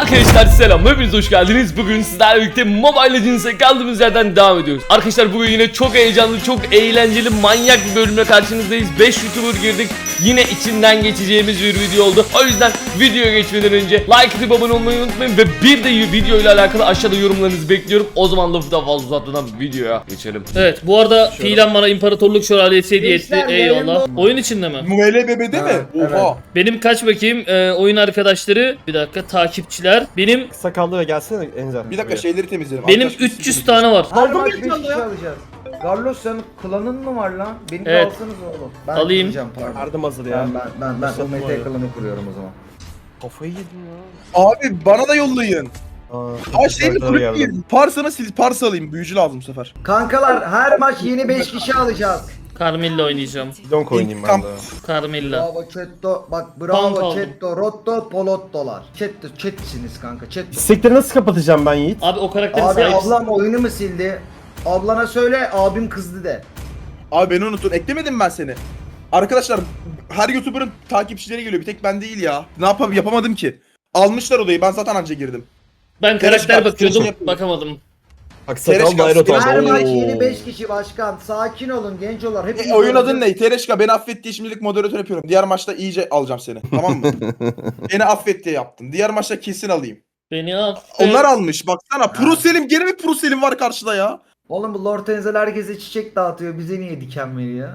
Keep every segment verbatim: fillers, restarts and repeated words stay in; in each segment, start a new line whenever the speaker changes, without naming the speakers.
Arkadaşlar selam, hepiniz hoş geldiniz. Bugün sizlerle birlikte Mobile Legends'e kaldığımız yerden devam ediyoruz. Arkadaşlar bugün yine çok heyecanlı, çok eğlenceli, manyak bir bölümle karşınızdayız. beş YouTuber girdik. Yine içinden geçeceğimiz bir video oldu. O yüzden videoya geçmeden önce like atıp abone olmayı unutmayın. Ve bir de video ile alakalı aşağıda yorumlarınızı bekliyorum. O zaman lafı da fazla uzatmadan videoya geçelim. Evet, bu arada fiilen bana İmparatorluk Şövalyesi hediye etti. Eyvallah. Oyun içinde mi?
M L B B'de mi?
Evet.
Oha.
Benim kaç bakayım e, oyun arkadaşları, bir dakika, takipçiler. Benim
Sakallı ve gelsene Enzer.
Bir dakika şeyleri temizleyelim.
benim
Arkadaşlar,
üç yüz tane var.
Her
Aldın mı
maç beş
ekranı
kişi
ya?
alacağız. Carlos senin klanın mı var lan? Beni de
Evet.
alsanız oğlum. Ben
Alayım.
kuracağım, pardon.
Yardım hazır ya.
Ben ben ben, ben o Mete klanı kuruyorum o zaman.
Kafayı yedim ya.
Abi bana da yollayın.
Aa,
Aa şeyini
arkadaşlara
kurup
geldim.
yiyin. Parsana sil, pars alayım. Büyücü lazım bu sefer.
Kankalar her maç yeni beş kişi alacağız.
Carmilla oynayacağım.
Donk oynayayım ben de.
Carmilla.
Bravo Chetto. Bak
Pound
bravo
aldım.
Chetto. Rotto Polottolar. Chetto Chet'siniz kanka. Chetto.
İstekleri nasıl kapatacağım ben Yiğit?
Abi o karakterin
Abi
sahipsin.
ablam oyunu mu sildi? Ablana söyle abim kızdı de.
Abi beni unutun. Eklemedim ben seni. Arkadaşlar her YouTuber'ın takipçileri geliyor. Bir tek ben değil ya. Ne yapayım, yapamadım ki. Almışlar odayı. Ben zaten anca girdim.
Ben
Tereş
karakter
kartı
bakıyordum,
yapıyorum.
bakamadım.
Bak
Tereş
sakal daire
kalsın.
Her
otardı.
maç yeni beş kişi başkan. Sakin olun gencolar. Hepiniz
E, oyun adın
alacağız.
ne? Tereşka beni affet diye şimdilik moderatör yapıyorum. Diğer maçta iyice alacağım seni. Tamam mı? Beni affet diye yaptım. Diğer maçta kesin alayım.
Beni affet.
Onlar almış. Baksana. Pro Selim. Gene mi Pro Selim var karşıda ya?
Oğlum bu Lord Enzel herkese çiçek dağıtıyor. Bize niye diken veriyor?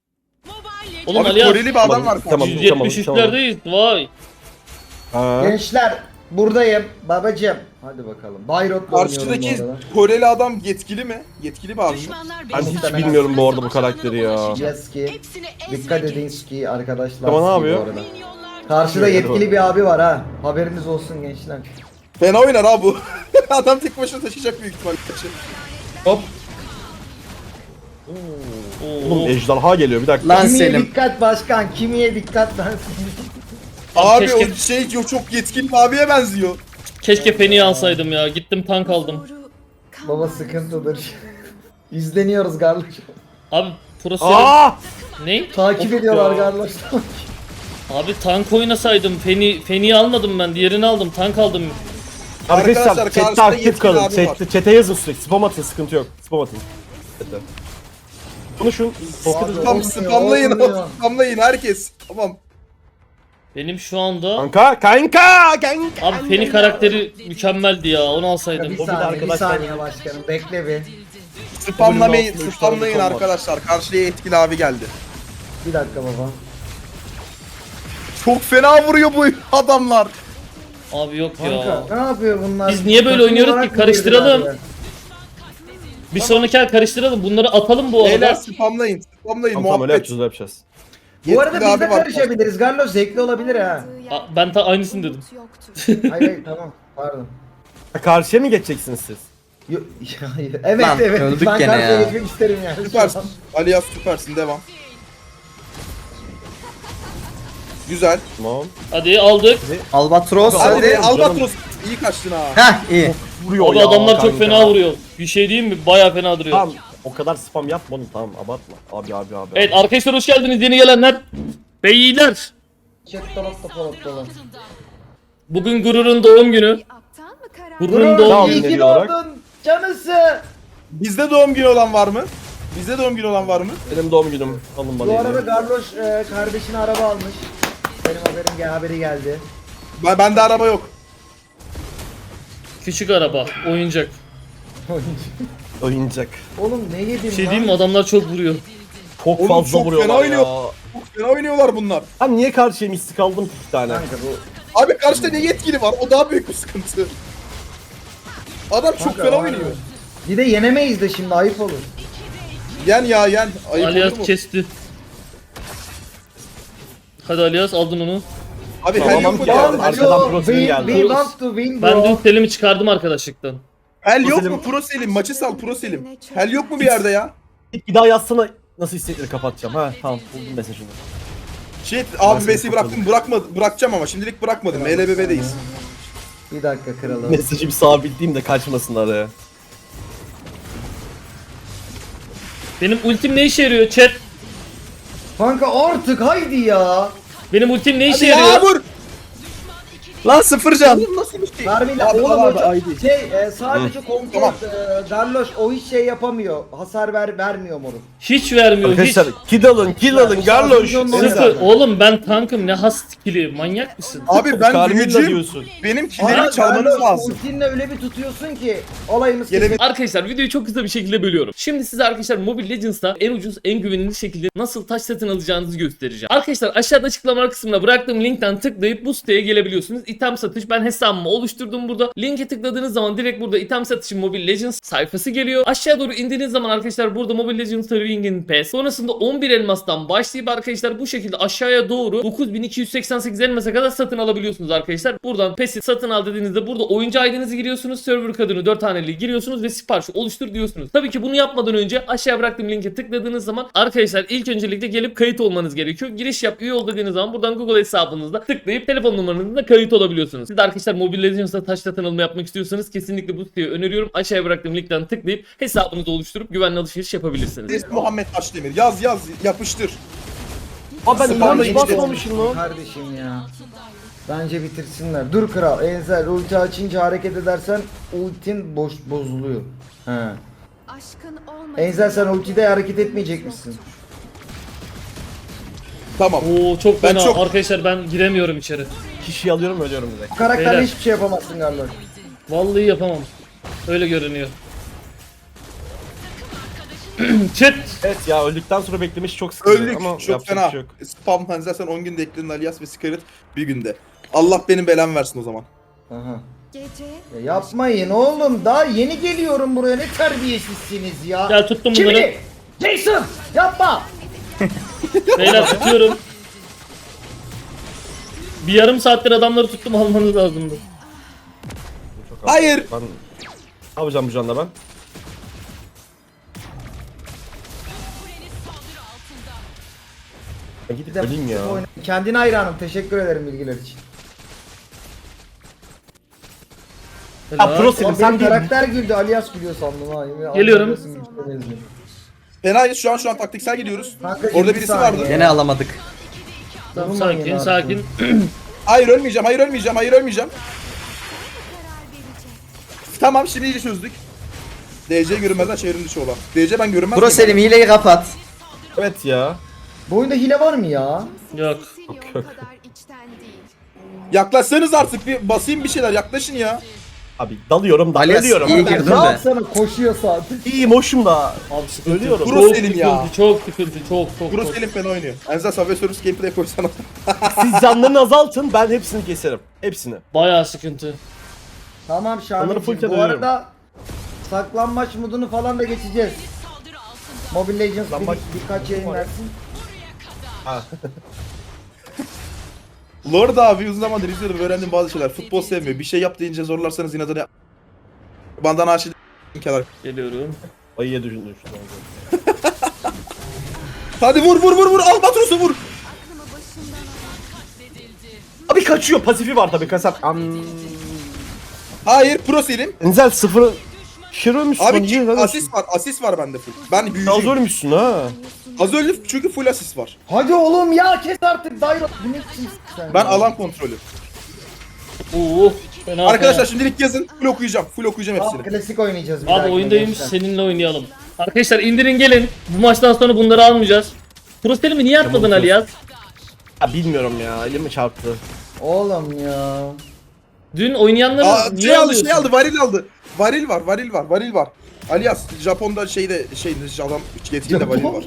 Oğlum
Abi
Ali
Koreli bir adam
Tamam,
var
tamam.
karşıda.
yüz yetmiş üçlerdeyiz. Vay.
Ha.
Gençler buradayım babacım. Hadi bakalım. Bayrot'la oynuyorum
Karşıdaki
bu arada.
Koreli adam yetkili mi? Yetkili bir abi mi?
Ben hiç bilmiyorum bu arada bu karakteri ya.
Yeski. Dikkat edin ki arkadaşlar.
Tamam, ne
ski
yapıyor?
bu arada. Karşıda yetkili bir abi var ha. Haberiniz olsun gençler.
Fena oynar ha bu. Adam tek başına taşıyacak büyük ihtimalle.
Hop.
Oo.
Oğlum ejderha geliyor bir dakika.
Lan
Kimiye
Selim.
dikkat başkan. Kimiye dikkat lan.
Abi
keşke-
o şey yok, çok yetkili bir abiye benziyor.
Keşke Penny'i alsaydım ya. Gittim tank aldım.
Baba sıkıntıdır. İzleniyoruz kardeşim.
Abi Pro Selim.
Aa!
Ne?
Takip
Of
ediyorlar
ya.
kardeşler.
Abi tank oynasaydım. Penny, Penny'yi almadım ben. Diğerini aldım. Tank aldım.
Arkadaşlar
Arkadaşlar,
chatte
karşıda
aktif
yetkili
kalın.
abi var.
Chatte, chat'e yazın sürekli. Spam atın, sıkıntı yok. Spam atın. Chat'e. Konuşun. Sohbet edin.
Tam
Olmuyor,
spamlayın,
olmuyor.
spamlayın herkes. Tamam.
Benim şu anda...
Kanka, kanka, kanka.
Abi Penny karakteri mükemmeldi ya. Onu alsaydım.
Bir
bir de
saniye, bir
arkadaşlar-
saniye başkanım. Bekle bir.
Spamlamayın,
Bölüm altı,
spamlayın
üç tane
arkadaşlar. Karşıya yetkili abi geldi.
Bir dakika baba.
Çok fena vuruyor bu adamlar.
Abi yok ya.
Kanka ne yapıyor bunlar?
Biz niye böyle
Takım
oynuyoruz
olarak
ki?
mı
Karıştıralım.
girdiler ya?
Bir sonraki el karıştıralım. Bunları atalım bu
Beyler
arada.
spamlayın, spamlayın
Tamam tamam öyle
muhabbet.
yapacağız, öyle yapacağız.
Bu arada
Yetkili
biz de
abi var.
karışabiliriz. Garlos zevkli olabilir ha.
Aa, ben ta aynısını dedim.
Hayır hayır tamam. Pardon.
Ha, karşıya mı geçeceksiniz siz?
Yo- evet
Lan,
evet.
öldük
Ben
gene
karşıya
ya.
geçmek isterim yani.
Süpersin. Alias süpersin, devam. Güzel.
Tamam.
Hadi aldık.
Albatros
Hadi,
Hadi
canım.
Albatros iyi kaçtın ha.
Heh iyi.
Vuruyor
Abi
ya
adamlar çok
kanka.
fena vuruyor. Bir şey diyeyim mi? Baya fena duruyor.
Tamam. O kadar spam yapma oğlum, tamam abartma. Abi abi abi.
Evet arkadaşlar, hoş geldiniz yeni gelenler. Beyler.
Chat dolap da polop dolap.
Bugün Gurur'un doğum günü. Gurur'un doğum
Tamam.
günü.
İyi ki
günü olarak.
doğdun canısı.
Bizde doğum günü olan var mı? Bizde doğum günü olan var mı?
Benim doğum günüm. Alın bana
Bu arada
hediye.
Garloş e, kardeşine araba almış. Benim haberim gel haberi geldi.
Ben bende araba yok.
Küçük araba, oyuncak.
Oyuncak.
Oğlum ne yedin
Bir şey
lan?
diyeyim mi? Adamlar çok vuruyor.
Çok
Oğlum
fazla
çok
vuruyorlar
fena
ya.
oynuyor. Çok fena oynuyorlar bunlar.
Ben niye karşıya mistik aldım ki iki tane?
Kanka bu
Abi karşıda ne yetkili var? O daha büyük bir sıkıntı. Adam çok
Kanka,
fena
aynen.
oynuyor.
bir de yenemeyiz de şimdi ayıp olur.
Yen ya yen. Ayıp olur
Alias
mu?
kesti. Hadi Alias, aldın onu.
Abi
Tamam,
hel yok mu
geldi.
geldi?
Arkadan
Yo,
Pro Selim
we,
geldi.
we want to win
Ben
bro.
dün Selim'i çıkardım arkadaşlıktan.
Hel yok
Selim-
mu Pro Selim? Maçı sal Pro Selim. Hel yok mu bir yerde ya?
Bir daha yazsana nasıl istekleri kapatacağım. Ha tamam, buldum mesajını.
Şey
Ben
abi
seni
B'si bıraktım, bırakmadım, bırakacağım ama şimdilik bırakmadım. M L B B'deyiz.
Bir dakika kralım.
Mesajı bir sabitleyeyim de kaçmasın araya.
Benim ultim ne işe yarıyor chat?
Kanka artık haydi ya.
Benim ultim ne işe
Hadi ya
yarıyor?
vur.
Lan sıfır can.
Oğlum nasıl bir şey?
Darwin'le
Abi,
oğlum
abi,
o çok-
ay değil.
şey e, sadece kontrol
Tamam.
e, Garloş o hiç şey yapamıyor. Hasar ver vermiyor moruk.
Hiç vermiyor hiç.
Arkadaşlar kill alın kill alın Garloş.
Milyon
Enzel.
Sıfır. Oğlum ben tankım ne has skill'i manyak mısın?
Abi ben
Carmilla
büyücüyüm.
diyorsun.
Benim
Ama
killerimi çalmanız
Garloş
lazım.
ultinle öyle bir tutuyorsun ki olayımız
Gelebilir.
kesin.
Arkadaşlar videoyu çok kısa bir şekilde bölüyorum. Şimdi size arkadaşlar Mobile Legends'ta en ucuz, en güvenilir şekilde nasıl taş satın alacağınızı göstereceğim. Arkadaşlar aşağıda açıklama kısmına bıraktığım linkten tıklayıp bu siteye gelebiliyorsunuz. İtem satış, ben hesabımı oluşturdum burada. Linke tıkladığınız zaman direkt burada item satışı Mobile Legends sayfası geliyor. Aşağı doğru indiğiniz zaman arkadaşlar burada Mobile Legends Serving'in Pass. Sonrasında on bir elmastan başlayıp arkadaşlar bu şekilde aşağıya doğru dokuz bin iki yüz seksen sekiz elmasa kadar satın alabiliyorsunuz arkadaşlar. Buradan Pass'i satın al dediğinizde burada oyuncu I D'nizi giriyorsunuz. Server kodunu dört haneli giriyorsunuz ve siparişi oluştur diyorsunuz. Tabii ki bunu yapmadan önce aşağı bıraktığım linke tıkladığınız zaman arkadaşlar ilk öncelikle gelip kayıt olmanız gerekiyor. Giriş yap, üye ol dediğiniz zaman buradan Google hesabınızda tıklayıp telefon numaranızla kayıt olabiliyorsunuz. Siz de arkadaşlar Mobile Legends'ta taş satın alımı yapmak istiyorsanız kesinlikle bu siteyi öneriyorum. Aşağıya bıraktığım linkten tıklayıp hesabınızı oluşturup güvenli alışveriş yapabilirsiniz.
İsmi Muhammed Taşdemir. Yaz yaz yapıştır.
Aa ben
Spamla
hiç
hiç
basmamışım lan.
Kardeşim ya. Bence bitirsinler. Dur kral. Enzel ulti açınca hareket edersen ultin boş bozuluyor. He.
Aşkın olmadı.
Enzel sen ultide hareket etmeyecek misin?
Tamam.
Oo çok
Ben
fena
çok-
arkadaşlar, ben giremiyorum içeri.
Kişiyi alıyorum ölüyorum direkt.
Bu karakterle
Beyler.
hiçbir şey yapamazsın Garloş.
Vallahi yapamam. Öyle görünüyor. Chat.
Evet ya öldükten sonra beklemiş çok sıkıntı
Öldük.
ama
Çok
yapacak
fena.
bir şey yok.
Spam hani zaten on günde ekledin Alias ve Scarlet bir günde. Allah benim belamı versin o zaman.
Aha.
Gece
Ya yapmayın oğlum. Daha yeni geliyorum buraya. Ne terbiyesizsiniz ya.
Gel tuttum bunları.
Şimdi Jason yapma.
Beyler tutuyorum. Bir yarım saattir adamları tuttum, almanız lazımdı.
Çok az.
Hayır.
Ben ne yapacağım bu canla ben? Ben gidip
Bir de
öleyim ya.
oyna- Kendine hayranım. Teşekkür ederim bilgiler için.
Ya pro Selim
Oğlum
sen
benim
değil.
karakter güldü. Alias gülüyor sandım ha. Yemin-
Geliyorum.
anlamıyorsun, gülüşlemezdim.
Fenayız şu an şu an taktiksel gidiyoruz.
Kanka,
Orada
yirmi
birisi
saniye.
vardı.
Gene alamadık.
Tamam,
Durmayın
sakin
artık.
sakin.
Hayır ölmeyeceğim, hayır ölmeyeceğim, hayır ölmeyeceğim. Tamam şimdi iyice çözdük. D C görünmezden çevrim dışı olan. D C ben görünmez
Bro
miyim?
Selim hileyi kapat.
Evet ya.
Bu oyunda hile var mı ya?
Yok.
Zilyon kadar içten değil.
Yaklaşsanız artık bir basayım bir şeyler yaklaşın ya.
Abi dalıyorum da
Alias
ölüyorum.
iyi
abi.
girdin
Ne
de.
yapsana koşuyor zaten.
İyiyim hoşum da.
Abi sıkıntı.
Ölüyorum.
Pro
Çok
Selim
sıkıntı,
ya.
çok sıkıntı, çok çok
Bruce
çok.
Selim fena oynuyor. Enzel Subway Surfers gameplay koysana.
Siz canlarını azaltın ben hepsini keserim. Hepsini.
Bayağı sıkıntı.
Tamam
Onları
Şahin'cim.
full
Bu
dönüyorum.
arada saklanmaç modunu falan da geçeceğiz. Mobile Legends bir,
Saklanmaç-
birkaç yayın versin.
Ha.
Lord abi uzun zamandır izliyorum ve öğrendiğim bazı şeyler. Futbol sevmiyor. Bir şey yap deyince zorlarsanız inadına yap. Bandana aşırı kenar.
Geliyorum.
Ayıya düşündüm.
Hadi vur vur vur vur Albatros'u vur.
Aklımı başımdan al.
Abi kaçıyor pasifi var tabii kasap. Am.
Hayır Pro Selim.
Enzel sıfır. Şır ölmüşsün.
Abi
niye
ki,
lan?
asist var asist var bende full. Ben
Az
büyücüyüm.
ölmüşsün ha.
Az öldü çünkü full asist var.
Hadi oğlum ya kes artık Dairo. Bu ne biçim sen?
Ben alan kontrolü.
Oo. Fena
Arkadaşlar
fena.
şimdilik yazın. Full okuyacağım. Full okuyacağım
Abi,
hepsini.
klasik oynayacağız. bir
Abi
dahakine
oyundayım,
gençler.
seninle oynayalım. Arkadaşlar indirin gelin. Bu maçtan sonra bunları almayacağız. Prostelim'i niye atmadın
Tamam,
Ali ya?
Ya bilmiyorum ya elimi çarptı.
Oğlum ya.
Dün oynayanları
Aa,
niye
şey aldı
alıyorsun?
şey aldı varil aldı. Varil var varil var varil var. Alias Japon'da şeyde şey adam yetkili varil var.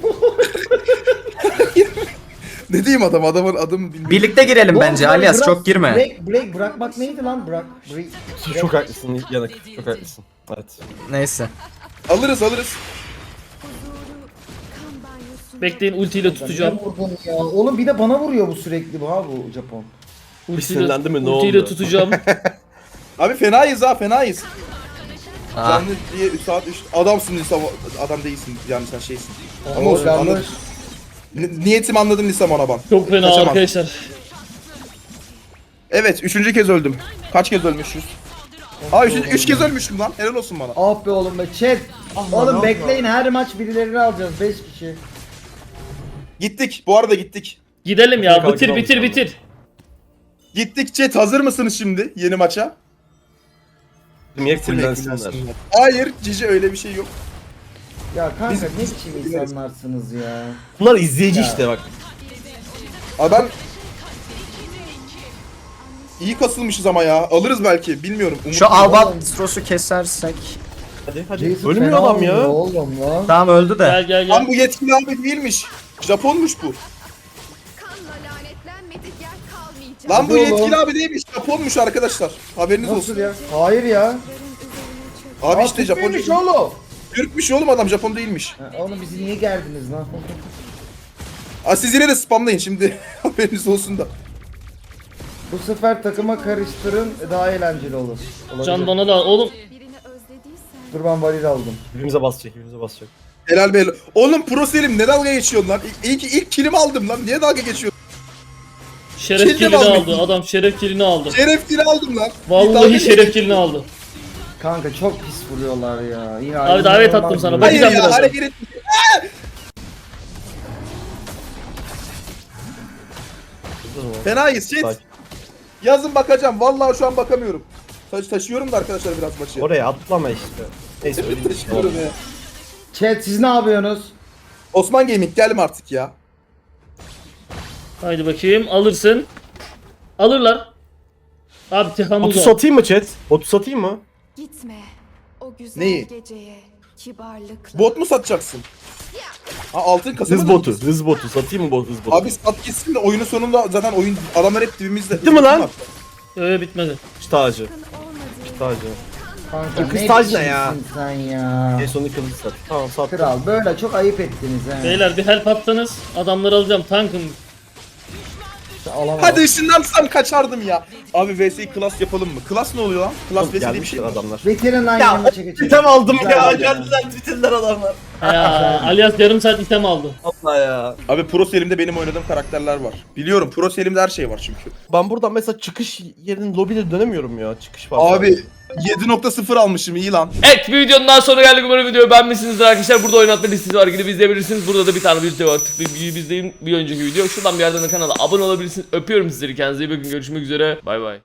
Ne diyeyim adam adamın adımı bilmiyorum.
Birlikte girelim bence
Oğlum,
Alias
bırak-
çok girme.
Break, break bırakmak neydi lan? Bırak. Break. break.
Çok haklısın yanık. Çok haklısın. Evet.
Neyse.
Alırız alırız.
Huzuru kan banyosu.
Bekleyin, ultiyle tutacağım.
Ne vurdun ya? Oğlum bir de bana vuruyor bu sürekli bu ha bu Japon.
Ultiyle,
sinirlendi mi? Ne
ultiyle
oldu?
tutacağım.
Abi fenayız ha fenayız.
Ah.
Canlı diye üç saat üç adamsın Lisam adam değilsin yani sen şeysin. Ama
Oo,
olsun
yanlış.
anladım. Ni- Niyetimi anladım Lisam ona ban.
Çok fena
Kaçamam.
arkadaşlar.
Evet üçüncü kez öldüm. Kaç kez ölmüşüz? Aa üç, üç kez ölmüşüm lan. Helal olsun bana.
Ah be oğlum be chat. Oğlum bekleyin her maç birilerini alacağız beş kişi.
Gittik. Bu arada gittik.
Gidelim ya,
Kalkın
bitir
oğlum
bitir
sonra.
bitir.
Gittik chat, hazır mısınız şimdi yeni maça?
Niye
Bitirmek
fullensinler?
lazım. Hayır Cici, öyle bir şey yok.
Ya kanka
Biz-
ne
biz-
biçim
biz-
insanlarsınız ya.
Bunlar izleyici
Ya.
işte bak.
Abi ben iyi kasılmışız ama ya. Alırız belki, bilmiyorum.
Şu
Umutluyum.
Albatros'u kesersek.
Hadi hadi.
Jason
Ölmüyor
fena
adam ya.
oynuyor Oğlum lan.
Tamam öldü de.
Gel gel
Lan
gel.
bu yetkili abi değilmiş. Japonmuş bu.
Kanla lanetlenmedik yer kalmayacak.
Lan bu
Hadi oğlum.
yetkili abi değilmiş. Japonmuş arkadaşlar. Haberiniz
Nasıl
olsun.
ya? Hayır ya.
Üzerine çök.
Abi
Aa,
işte Japon
Türkmüş
değil.
oğlum.
Türkmüş oğlum adam, Japon değilmiş.
Ha, oğlum bizi niye gerdiniz lan?
Aa, siz yine de spamlayın şimdi. Haberiniz olsun da.
Bu sefer takıma karıştırın daha eğlenceli olur. Olabilir.
Can bana da oğlum.
Birini özlediysen
Dur ben varil aldım.
Birbirimize basacak, birbirimize basacak.
Helal be. Oğlum Pro Selim ne dalga geçiyorsun lan? İlk, ilk, ilk kilimi aldım lan. Niye dalga geçiyorsun?
Şeref
Kilidi
kilini
aldım.
aldı. Adam şeref kilini aldı.
Şeref kili aldım lan. Bir dalga
Vallahi
geç-
şeref kilini aldı.
Kanka çok pis vuruyorlar ya. Yine
Abi davet
inanılmaz
attım sana,
vuruyor.
bak-
Hayır
Bakacağım
ya,
birazdan.
hareket etme. Fenayız shit.
Sakin.
Yazın bakacağım. Vallahi şu an bakamıyorum. Taş taşıyorum da arkadaşlar biraz maçı.
Oraya atlama işte. Neyse öyle bir şey
Taşıyorum
oldu.
ya.
Chat siz ne yapıyorsunuz?
Osman Gaming gelme artık ya.
Haydi bakayım, alırsın. Alırlar. Abi Tehamuz
Botu
al.
satayım mı chat? Botu satayım mı?
gitme. O güzel
Neyi?
geceye kibarlıkla.
Bot mu satacaksın? Ha, altın kasa
Hız
mı
botu,
diyeceksin?
hız botu. Satayım mı bot, hız botu?
Abi sat gitsin de oyunun sonunda zaten oyun adamlar hep dibimizde.
Bitti mi lan?
Öyle bitmedi.
Kış tacı.
Yakın olmadığı
Kış tacı.
Kanka
Kız
ne
tac ne
biçimsin
ya?
sen ya?
En sonunda kılıcı sat. Tamam sat.
Kral böyle çok ayıp ettiniz he.
Beyler bir help atsanız adamları alacağım, tankım.
Alamadım.
Hadi ışınlansam kaçardım ya. Abi V S'yi class yapalım mı? Class ne oluyor lan? Class V S diye bir
Gelmişler
şey var.
adamlar.
Veterin aynı
Ya
yanına çekeceğim.
item aldım
Güzel
ya.
ya.
Geldiler bitirdiler adamlar.
Ya alias yarım saat item aldı.
Allah ya.
Abi Pro Selim'de benim oynadığım karakterler var. Biliyorum Pro Selim'de her şey var çünkü.
Ben buradan mesela çıkış yerinin lobide dönemiyorum ya. Çıkış var.
Abi yedi nokta sıfır almışım, iyi lan.
Evet, bir videonun daha sonuna geldik. Umarım videoyu beğenmişsinizdir arkadaşlar. Burada oynatma listesi var, gidip izleyebilirsiniz. Burada da bir tane video var. Tıklayıp izleyin bir önceki video. Şuradan bir yerden de kanala abone olabilirsiniz. Öpüyorum sizleri, kendinize iyi bakın. Görüşmek üzere. Bay bay.